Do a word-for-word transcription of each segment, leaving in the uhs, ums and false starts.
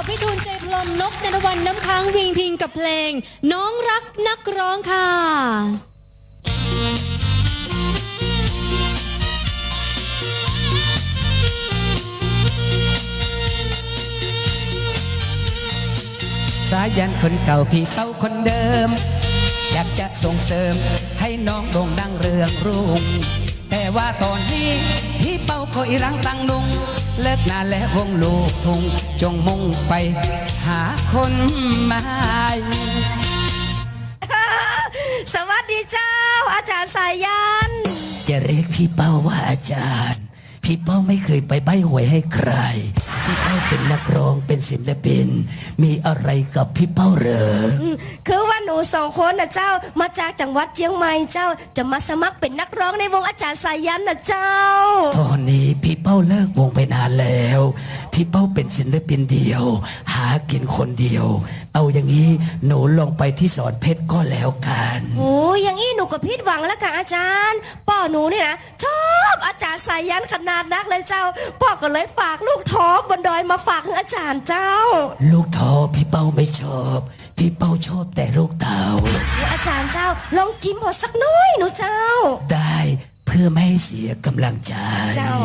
พี่ทูลใจพลมนกนรวันน้ำค้างวิงพิงกับเพลงน้องรักนักร้องค่ะสายันคนเก่าพี่เป้าคนเดิมอยากจะส่งเสริมให้น้องโด่งดังเรืองรุ่งแต่ว่าตอนนี้พี่เป้าก็อีรังตังลุงเลิกงานและวงลูกทุ่งจงมุ่งไปหาคนใหม่สวัสดีเจ้าอาจารย์สายันจะเรียกพี่เป้าว่าอาจารย์พี่เป้าไม่เคยไปใบ้หวยให้ใครพี่เป้าเป็นนักร้องเป็นศิลปินมีอะไรกับพี่เป้าเหรอคือว่าหนูสองคนนะเจ้ามาจากจังหวัดเชียงใหม่เจ้าจะมาสมัครเป็นนักร้องในวงอาจารย์สายันนะเจ้าตอนนี้พี่เป้าเลิกวงไปนานแล้วพี่เป้าเป็นศิลปินเดียวหากินคนเดียวเอาอย่างนี้หนูลองไปที่สอนเพชรก็แล้วกันโอ้ยอย่างนี้หนูก็ผิดหวังแล้วค่ะอาจารย์ป้อหนูนี่นะชอบอาจารย์สายันขนาดนักเลยเจ้าป้อก็เลยฝากลูกท้อบนดอยมาฝากอาจารย์เจ้าลูกท้อพี่เป้าไม่ชอบพี่เป้าชอบแต่ลูกเต่าอาจารย์เจ้าลองจิ้มพอสักน้อยหนูเจ้าได้เพื่อไม่ให้เสียกำลังใจเจ้า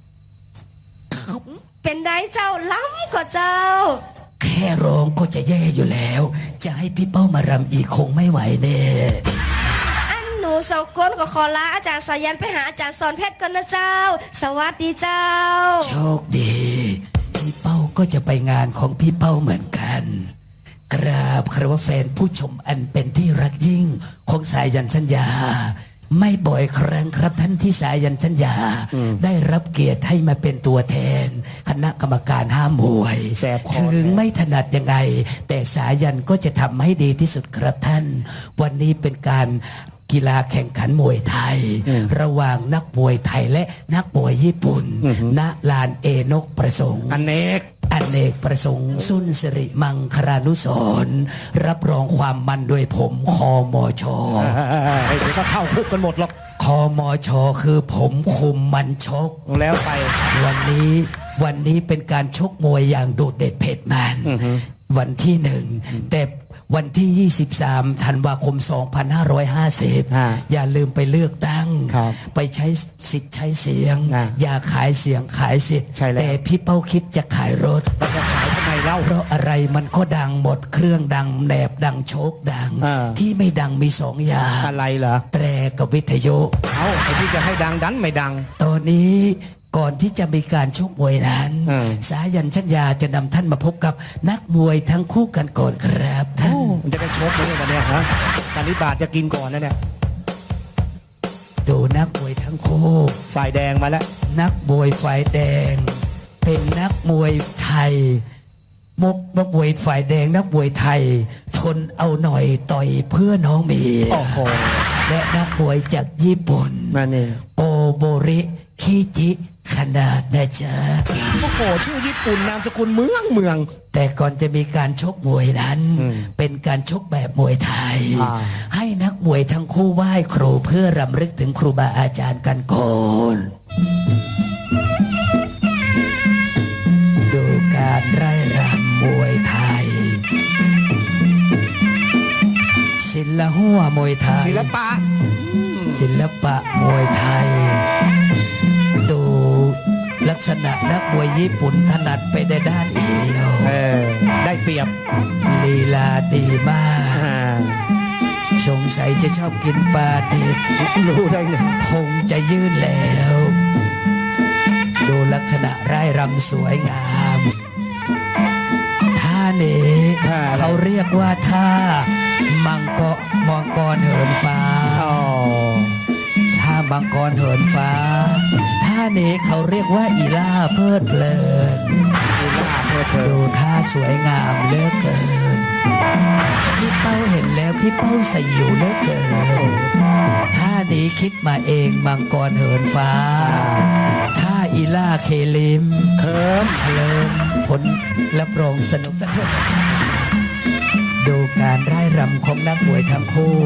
เป็นไงเจ้าล้ำกว่าเจ้าแค่ร้องก็จะแย่อยู่แล้วจะให้พี่เป้ามารำอีกคงไม่ไหวแน่อันหนูสองคนก็ขอลาอาจารย์สายันไปหาอาจารย์สอนเพชรกันนะเจ้าสวัสดีเจ้าโชคดีพี่เป้าก็จะไปงานของพี่เป้าเหมือนกันกราบคารวะแฟนผู้ชมอันเป็นที่รักยิ่งของสายันสัญญาไม่บ่อยครั้งครับท่านที่สายันสัญญาได้รับเกียรติให้มาเป็นตัวแทนคณะกรรมการห้ามมวยถึงไม่ถนัดยังไงแต่สายันก็จะทำให้ดีที่สุดครับท่านวันนี้เป็นการกีฬาแข่งขันมวยไทยระหว่างนักมวยไทยและนักมวยญี่ปุ่นณลานเอนกประสงค์อเนกอเนกประสงค์สุนสิริมังคลานุสรณ์รับรองความมันโดยผมคอมอชอเดี๋ยวก็เข้าคุกกันหมดหรอกคอมอชอคือผมคุมมันชกแล้วไปวันนี้วันนี้เป็นการชกมวยอย่างโดดเด่นเผ็ดมันวันที่หนึ่งแต่วันที่ยี่สิบสามธันวาคมสองพันห้าร้อยห้าสิบอย่าลืมไปเลือกตั้งไปใช้สิทธิ์ใช้เสียงอย่าขายเสียงขายสิทธิ์แต่พี่เป้าคิดจะขายรถจะขายทำไมเล่าเพราะอะไรมันก็ดังหมดเครื่องดังแหนบดังโชคดังที่ไม่ดังมีสองอย่างอะไรเหรอแตรกับวิทยุเอาไอ้ที่จะให้ดังดันไม่ดังตอนนี้ก่อนที่จะมีการชกมวยนั้นสายันชัญญาจะนำท่านมาพบกับนักมวยทั้งคู่กันก่อนครับท่านมันจะได้ชกไหมวันนี้ฮะตอนนี้บาทจะกินก่อนนะเนี่ยดูนักมวยทั้งคู่ฝ่ายแดงมาแล้วนักมวยฝ่ายแดงเป็นนักมวยไทยมกนักมวยฝ่ายแดงนักมวยไทยทนเอาหน่อยต่อยเพื่อน้องเมียและนักมวยจากญี่ปุ่นมาเนี่ยโอโบริคิจิขนาดนะจ๊ะโอ้โหชื่อญี่ปุ่นนามสกุลเมืองเมืองแต่ก่อนจะมีการชกมวยนั้นเป็นการชกแบบมวยไทยให้นักมวยทั้งคู่ไหว้ครูเพื่อรำลึกถึงครูบาอาจารย์กันก่อนดูการไร่รำมวยไทยศิลหัวมวยไทยศิลปะศิลปะมวยไทยดูลักษณะนักมวยญี่ปุ่นถนัดไปในด้านเดียวได้เปรียบลีลาดีมากสงสัยจะชอบกินปลาดิบรู้ได้ไงคงจะยื่นแล้วดูลักษณะร่ายรำสวยงามท่านี้เขาเรียกว่าท่ามังกรมังกรเหินฟ้าท่ามังกรเหินฟ้าท่านี้เขาเรียกว่าอีล่าเพลิดเพลินอีล่าเพลิดเพลินดูท่าสวยงามเหลือเกินพี่เป้าเห็นแล้วพี่เป้าสยิวเหลือเกินท่านี้คิดมาเองมังกรเหินฟ้าท่าอีล่าเคลิมเคิมเพลินผลรับรองสนุกสะเทือนดูการร่ายรำของนักมวยทั้งคู่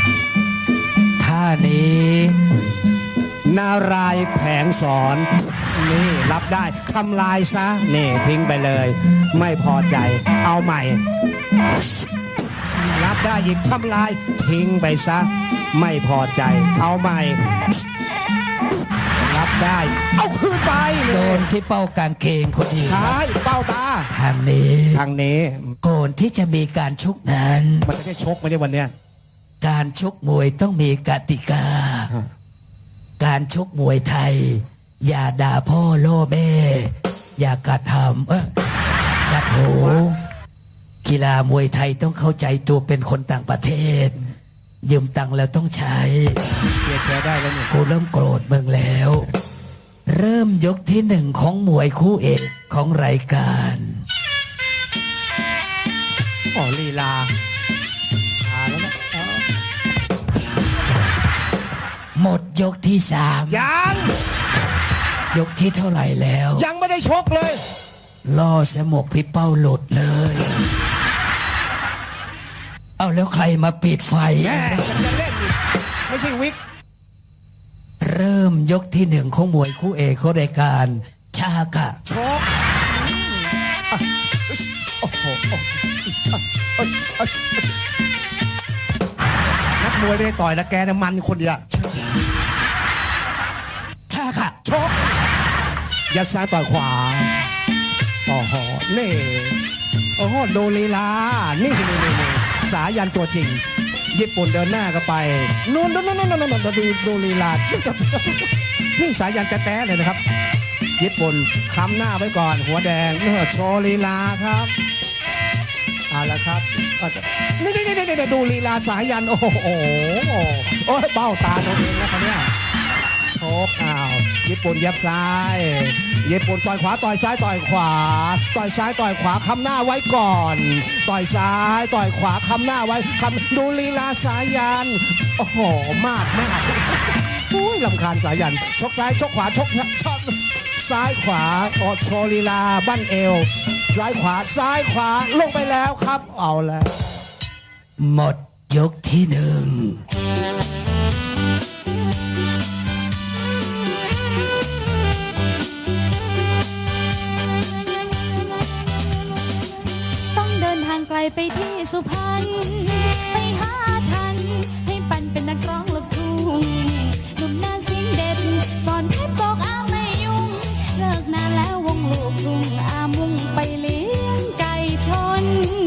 ท่านี้นารายแผงสอนนี่รับได้ทำลายซะนี่ทิ้งไปเลย ไม่พอใจ เอาใหม่ รับได้อีกทำลายทิ้งไปซะไม่พอใจ เอาใหม่ รับได้ เอาคืนไปโดนที่เป้ากางเกงพอดีท้ายเป้าตาทางนี้ทางนี้ก่อนที่จะมีการชกนั้นมันจะได้ชกไหมเนี่ยวันเนี้ยการชกมวยต้องมีกติกา การชกมวยไทย อย่าด่าพ่อโล่แม่ อย่ากระทำเออกัดโหกีฬามวยไทยต้องเข้าใจตัวเป็นคนต่างประเทศ ยืมตังค์แล้วต้องใช้เชียร์แชร์ได้แล้วเนี่ยกูเริ่มโกรธมึงแล้ว เริ่มยกที่หนึ่งของมวยคู่เอกของรายการอ๋อลีลาอ่าแล้วนะอ๋อหมดยกที่สามยังยกที่เท่าไหร่แล้วยังไม่ได้ชกเลยล่อสมกพี่เป้าหลุดเลย เอาแล้วใครมาปิดไฟแม่จะเล่นอีกไม่ใช่วิกเริ่มยกที่หนึ่งของมวยคู่เอกของรายการ ชากะชกโอ้โหนักมวยไม่ได้ต่อยนะแกนะมันคนเดียวชากะชกยัดซ้ายต่อยขวาโอ้โหนี่โอ้โหโดลีลานี่นี่นี่นี่สายันตัวจริงญี่ปุ่นเดินหน้าก็ไปนู่นนู่นนู่นนู่นนู่นดูดูลีลานี่สายันแต้ๆเลยนะครับญี่ปุ่นค้ำหน้าไว้ก่อนหัวแดงเนื้อโชว์ลีลาครับเอาละครับนี่นี่นี่นี่ดูลีลาสายันโอ้โหโอ้ยเบ้าตาตัวเองแล้วคนเนี้ยโชกอ้าวญี่ปุ่นยับซ้ายญี่ปุ่นต่อยขวาต่อยซ้ายต่อยขวาต่อยซ้ายต่อยขวาค้ำหน้าไว้ก่อนต่อยซ้ายต่อยขวาค้ำหน้าไว้คำดูลีลาสายันโอ้โหมากมากอุ้ยลำคาญสายันชกซ้ายชกขวาชกชกซ้ายขวาออโชลีลาบั้นเอวซ้ายขวาซ้ายขวาลงไปแล้วครับเอาแล้วหมดยกที่หนึ่งต้องเดินทางไกลไปที่สุพรรณไปหาทัน ให้ปันเป็นนักร้องลูกทุ่งหนุ่มนาเสียงเด็ดสอนเพชรบอกอ้าวไม่ยุ่งเลิกนานแล้ววงลูกทุ่งอามุ่งไปเลี้ยงไก่ชน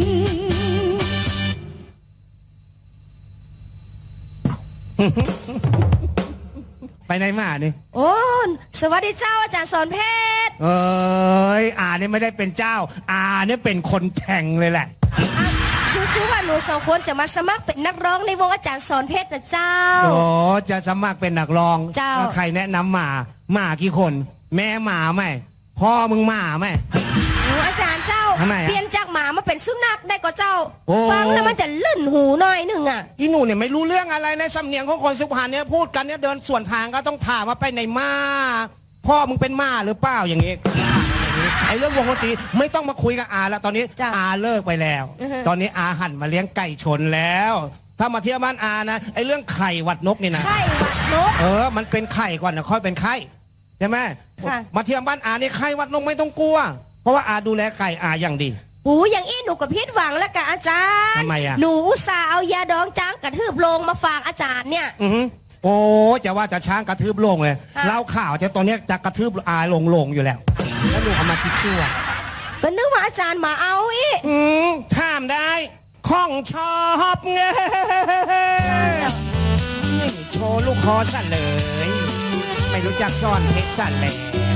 ไปไหนมานี่โอ้สวัสดีเจ้าอาจารย์สอนเพชรเอ้ยอาเนี่ยไม่ได้เป็นเจ้าอาเนี่ยเป็นคนแข่งเลยแหละอ่ะคือคือว่าหนูสองคนจะมาสมัครเป็นนักร้องในวงอาจารย์สอนเพชรนะเจ้าโอ้จะสมัครเป็นนักร้องเจ้าใครแนะนำหมาหมากี่คน แม่หมาไหมพ่อมึงหมาไหมโอ้อาจารย์เจ้าทำไมอะเปลี่ยนจากหมามาเป็นสุนัขได้ก็เจ้าโอ้ฟังแล้วมันจะลื่นหูหน่อยหนึ่งอ่ะอีหนูเนี่ยไม่รู้เรื่องอะไรในสำเนียงของคนสุพรรณเนี่ยพูดกันเนี่ยเดินส่วนทางก็ต้องถามว่าไปไหนมาพ่อมึงเป็นหมาหรือเปล่าอย่างงี้ไอ้เรื่องวงดนตรีไม่ต้องมาคุยกับอาแล้วตอนนี้จ้ะอาเลิกไปแล้วอือฮะตอนนี้อาหันมาเลี้ยงไก่ชนแล้ว ถ้ามาเที่ยวบ้านอานะไอ้เรื่องไข่หวัดนกนี่นะไข้หวัดนกเออ มันเป็นไข่ก่อนนะค่อยเป็นไข้ใช่ไหมค่ะมาเที่ยวบ้านอาเนี่ยไข้หวัดนกไม่ต้องกลัว เพราะว่าอาดูแลไก่อาอย่างดีโอ้อย่างอี้หนูกับพิษหวังแล้วกับอาจารย์ทำไมอะหนูอุตส่าห์เอายาดองจ้างกระทืบโลงมาฝากอาจารย์เนี่ยอือหือโอ้จะว่าจะช้างกระทืบโลงเลยค่ะเล่าข่าวจะตอนเนี้ยจะกระทืบอาลงลงอยู่แล้ว แล้วดูเอามาคิดตัวก็นึกว่าอาจารย์มาเอาอีกอืมถามได้ข้องชอบเงยนี่โชว์ลูกคอสั่นเลย ไม่รู้จักซ่อนเพชรสั่นแล้ว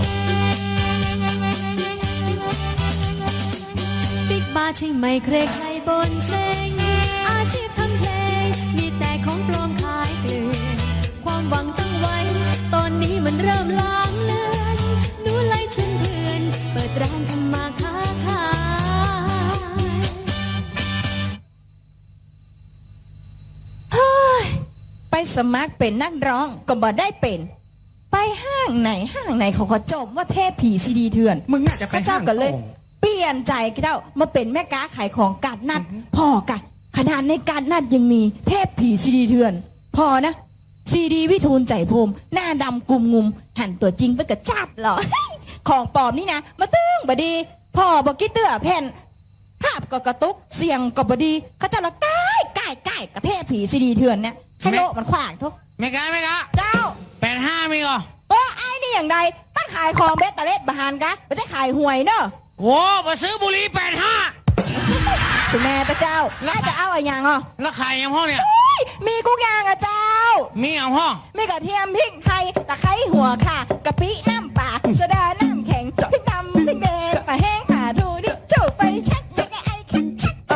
บิ๊กบาร์ใช่ไหมใครใครบนเซ็งอาชีพทำเพลงมีแต่ของปลอมขายเกลื่อนความหวังตั้งไว้ ตอนนี้มันเริ่มลางเลือนดูไล่ชนเพื่อนเปิดร้านทำมาค้าขายเฮ้ยไปสมัครเป็นนักร้องก็บ่ได้เป็น ไปห้างไหนห้างไหนเขาก็จมว่าเทพผีซีดีเถื่อนมึงน่าจะไปพระเจ้าห้างก็เลยโอ่งเปลี่ยนใจเจ้ามาเป็นแม่ค้าขายของกาดนัดพอกันขนาดในการนัดยังมีเทพผีซีดีเถื่อน พอนะซีดีวิทูลใจภูมิ หน้าดำกุมงุม หันตัวจริงไปกับจับเหรอ ของปลอมนี่นะ มาตึ้งบดี พ่อบอกกี้เตื้อแผ่น ภาพก็กระตุก เสียงก็บดีเขาจะละใกล้ใกล้ใกล้กับแพร่ผีซีดีเถื่อนเนี่ยให้โลกมันขวางทุกไม่กล้าไม่กล้าเจ้าแปดห้ามีก่อโอ้ไอ้นี่อย่างใดตั้งขายของเบสตะเล็ดบาฮานกะไม่ใช่ขายหวยเนอะโอ้มาซื้อบุหรี่แปดห้าสุแม่ตะเจ้าแล้วจะเอาอะไรอย่างอ่ะแล้วขายยังห้องเนี่ยอุ้ยมีกุ๊กยางอ่ะเจ้ามีเอาห้องมีกระเทียมพริกไทยตะไคร้หัวค่ะกะปิน้ำปลาโซดาน้ำแข็งพริกดำพริกแดงปลาแห้งปลาทูดิจูบไปชักชักไอ้คักชัก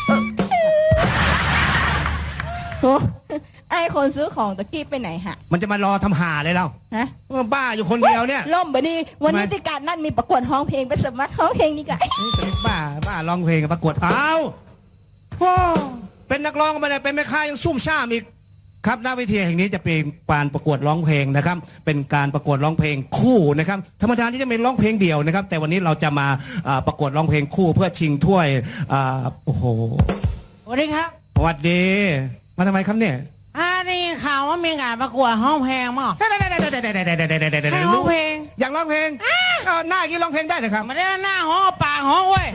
โอ้ไอ้คนซื้อของตะกี้ไปไหนฮะมันจะมารอทำหาเลยเราฮะเออบ้าอยู่คนเดียวเนี่ยล่มบดีวันนี้ทำไมติการนั่นมีประกวดร้องเพลงไปสมัครร้องเพลงนี่กันนี่เป็นบ้าบ้าร้องเพลงกับประกวดอ้าวโอ้เป็นนักร้องมาเลยเป็นแม่ค้ายังซุ่มซ่ามอีกครับหน้าเวทีแห่งนี้จะเป็นการประกวดร้องเพลงนะครับ เป็นการประกวดร้องเพลงคู่นะครับธรรมดาที่จะเป็นร้องเพลงเดี่ยวนะครับ แต่วันนี้เราจะมาอ่าประกวดร้องเพลงคู่เพื่อชิงถ้วยอ่าโอ้โหสวัสดีครับสวัสดี มาทำไมครับเนี่ยอ่าได้ยินข่าวว่ามีงานประกวดห้องเพลงมั้ง ใครร้องเพลงอยากร้องเพลงเออหน้ากี้ร้องเพลงได้เลยครับมาได้หน้าห้องปากห้องเว้ย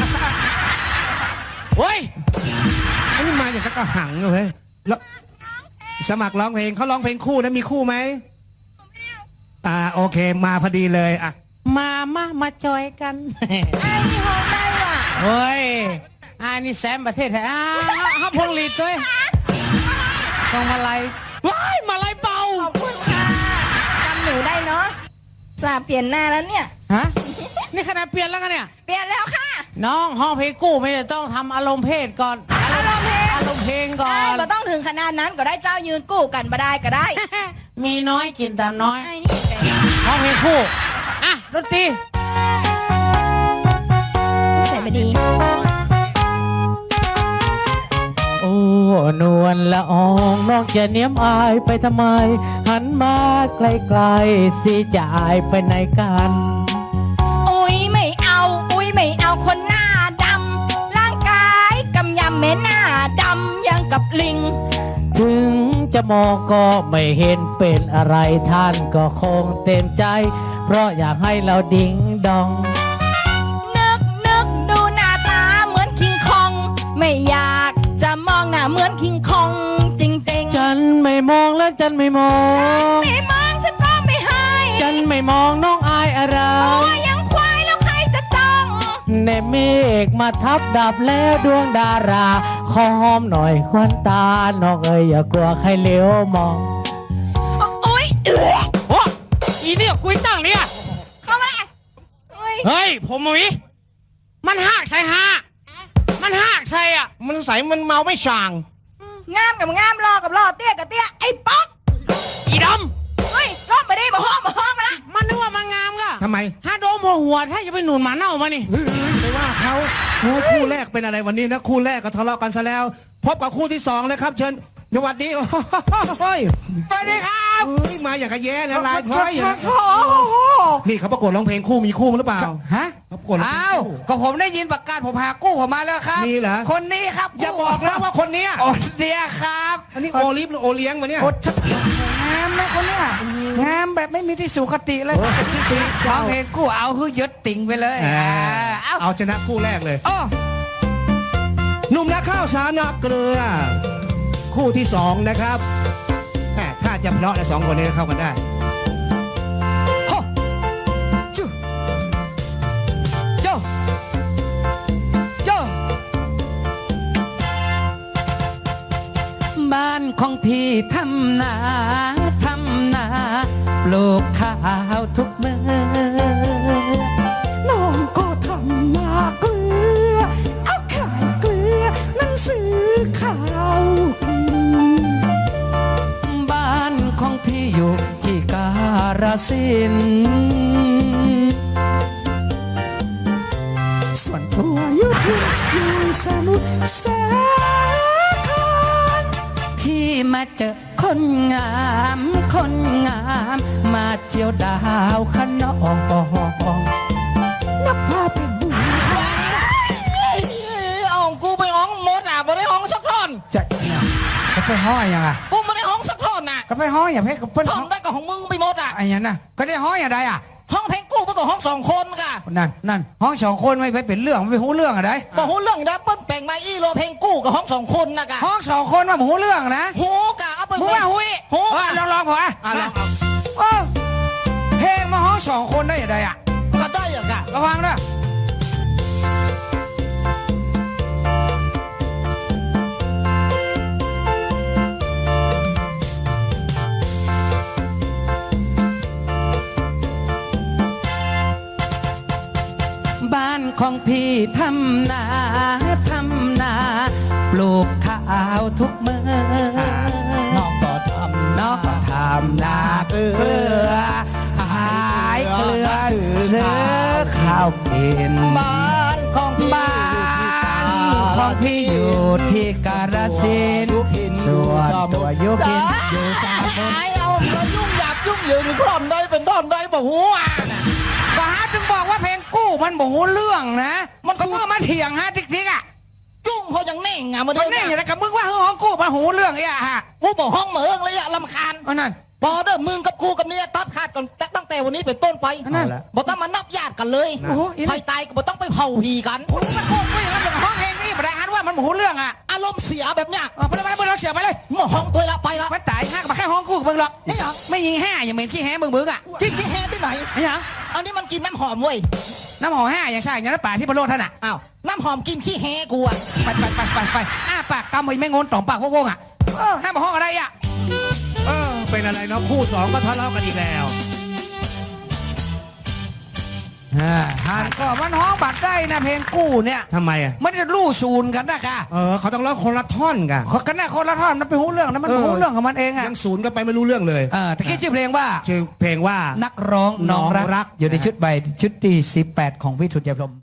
เว้ยอันนี้มาอย่างกับกระหังเลยแล้วสมัครร้องเพลงเขาร้องเพลงคู่นะมีคู่ไหมอ่าโอเคมาพอดีเลยอ่ะมามามาจอยกันไอ้นี่ห้องได้ว่ะเฮ้ยอ่านี่แซมประเทศไทยอ่าฮับพงลีดด้วยต้องมาไล่ว้ายมาไล่เป่าขอบคุณค่ะจำหนูได้เนาะสาเปลี่ยนหน้าแล้วเนี่ยฮะนี่ขนาดเปลี่ยนแล้วกันเนี่ยเปลี่ยนแล้วค่ะน้องห้องเพลงกู้ไม่ได้ต้องทำอารมณ์เพศก่อนอารมณ์เพลงอารมณ์เพลงก่อไอ้นก็ต้องถึงขนาดนั้นก็ได้เจ้ายืนกู้กันมาได้ก็ได้มีน้อยกินตามน้อยไอ้นี่ไงห้องเพลงคู่อ่ะดนตรีใส่มาดีโอ้นวลละอองน้องจะเนียมอายไปทำไม หันมาไกลๆสิจะอายไปไหนกันอุ้ยไม่เอาอุ้ยไม่เอาคนหน้าดำร่างกายกำยำแม่หน้าดำยังกับลิงถึงจะมองก็ไม่เห็นเป็นอะไรท่านก็คงเต็มใจ เพราะอยากให้เราดิ้งดองนึกนึกดูหน้าตาเหมือนคิงคอง ไม่อยากจะมองหน้าเหมือนคิงคองจริงๆจันไม่มองและจันไม่มองไม่มองฉันก็ไม่ให้จันไม่มองน้องอายอะไรตัวยังควายแล้วใครจะจ้องเนเมฆมาทับดับแล้วดวงดาราขอหอมหน่อยควันตาน้องเอ๋ยอย่ากลัวใครเลี้ยวมองอุ้ยเอือโอ้อีเนี่ยกุยตั้งเนี่ยเข้ามาเลยอุ้ยเฮ้ยผมหมีมันหักใส่ฮะมันหักใส่อ่ะมันใสมันเมาไม่ช่างงามกับงามรอกับรอเตี้ยกับเตี้ยไอ้ป๊อกอีดเฮ้ยล้อมไปดิมาห้องมาห้องมาละำมันนึกว่ามันงามก็ทำไมฮาโดมหัวหัวถ้าจะไปหนุนหมาเน่ามานี่เฮ้ยไปว่าเขาโอ้ยคู่แรกเป็นอะไรวันนี้นะคู่แรกก็ทะเลาะกันซะแล้ว พบกับคู่ที่สองเลยครับ เชิญสวัสดีโอ้ยสวัสดีครับเฮ้ยมาอย่างกระแย่นะลายพร้อยอย่างโอ้โหนี่เขาประกวดร้องเพลงคู่มีคู่มั้ยหรือเปล่าฮะเขาประกวดร้องเพลอ้าง วคู่ก็ผมได้ยินประกาศผมหากู้ผมมาแล้วครับนี่เหรอคนนี้ครับอย่าบอกนะว่าคนเนี้ยโอ้เดียครับอันนี้โอลิฟหรือโอเลี้ยงวะเนี่ยโคตรงามนะคนเนี้ยงามแบบไม่มีที่สุขติเลยร้องเพลงกู้เอาคือยึดติ่งไปเลยอ่าอ่าเอ้าเอาชนะคู่แรกเลยโอ้หนุ่มนาข้าวสารนาเกลือ คู่ที่สองนะครับแหม่ถ้าจะเพลาะและสองคนนี้เข้ากันได้โหจุโจโจบ้านของพี่ทำนาทำนาปลูกข้าวทุกเมื่อน้องก็ทำนาเกลือ เอาขายเกลือนั่นซื้อข้าวกินบ้านของพี่อยู่ที่การสินธุ์ส่วนตัวอยู่ที่อยู่สมุทรสาครพี่มาเจอคนงามคนงามมาเจียวดาวขนองนับพาเป็นบุญเอากูไปห้องมดอ่ะไม่ได้ห้องสักท่อนจะเนี่ยจะไปห้อยยังไงกูไม่ได้ห้องสักท่อนน่ะก็ก็ไปห้องอย่าเพชรกับเพิ่นห้องได้ก็ของมึงไปหมดอ่ะไอ้ยันน่ะก็ได้ห้องอย่างไรอ่ะห้องเพลงกู้มันก็ห้องสองคนกะนั่นนั่นห้องสองคนไม่ไปเป็นเรื่องไม่หูเรื่องอะไรบอกหูเรื่องดับเบิ้ลแปลงมาอีโลเพลงกู้กับห้องสองคนนะกะห้องสองคนมาหูเรื่องนะหูกะเอาไปมึงว่าหูอีหูเออกะลองลองผมอ่ะอ่ะลองเอาโอ้เพลงมาห้องสองคนได้อย่างไรอ่ะก็ได้อะกะระวังนะบ้านของพี่ทำนาทำนา ปลูกข้าวทุกเมื่อน้องก็ทำน้องก็ทำนาเกลือขายเกลือซื้อข้าวกินบ้านของพี่บ้านของพี่อยู่ที่กาฬสินธุ์ส่วนตัวอยุกินอยู่สามคนไอ้เอาแล้วยุ่งหยาบยุ่งเหยิงพร้อมได้เป็นพร้อมได้บอกหูอ่ะก็ฮะถึงบอกว่าเพลงกู้มันบอกเรื่องนะ มันก็ว่ามาเถียงฮะติ๊กติ๊กอ่ะยุ่งเขาอย่างแน่งอ่ะมามันเท่านี่นี้อย่างไรกับมึงว่าห้องกู้มาหูเรื่องไอ้อะฮะกูบอกห้องเหมืองเลยอะลำคาญอันนั้นพอเด้อมึงกับกูกับเนี่ยตัดขาดกันตั้งแต่วันนี้เป็นต้นไปนั่นบอกต้องมานับญาติกันเลยโอ้โหอีนี่ใครตายก็บอกต้องไปเผาผีกันผมมันโคตรไม่อย่างนั้นเลยห้องเพลงนี่ไม่ได้ฮันว่ามันหูเรื่องอ่ะอารมณ์เสียแบบเนี้ยเออไปเลยไปเลยเราเสียไปเลยหมอห้องตัวละไปละมันตายห้ากับแค่ห้องกู้กับมึงหรอกนี่เหรอไม่ยิงห้าอย่างเหม็นขี้แห้มึงมึงอ่ะที่ที่แฮที่ไหนไอ้หยังอันนี้มันกินน้ำหอมเว้ยน้ำหอมห้าอย่างใช่อย่างนั้นป่าที่ประโลดท่านอ่ะอ้าวน้ำหอมกินขี้แฮกูอะไปไปไปไปไปอ้าปากกำไอ้แม่งนต่อมปากโว่งๆอ่ะเออห้าบอกห้องอะไรอ่ะเออเป็นอะไรเนาะคู่สองก็ทะเลาะกันอีกแล้วฮันก็มันห้องบัตรได้นะเพลงกู้เนี่ยทำไมอ่ะมันจะลู่ซูนกันนะค่ะเออเขาต้องเล่าคนละท่อนกันคนกันนะคนละท่อนมันเป็นหูเรื่องนะมันเออหูเรื่องของมันเองอ่ะยังศูนย์กันไปไม่รู้เรื่องเลยเออแต่คิดชื่อเพลงว่าชื่อเพลงว่านักร้องน้องน้องรัรักกอยู่ในชุดใบชุดที่สิบแปดของวิทุตยพรหม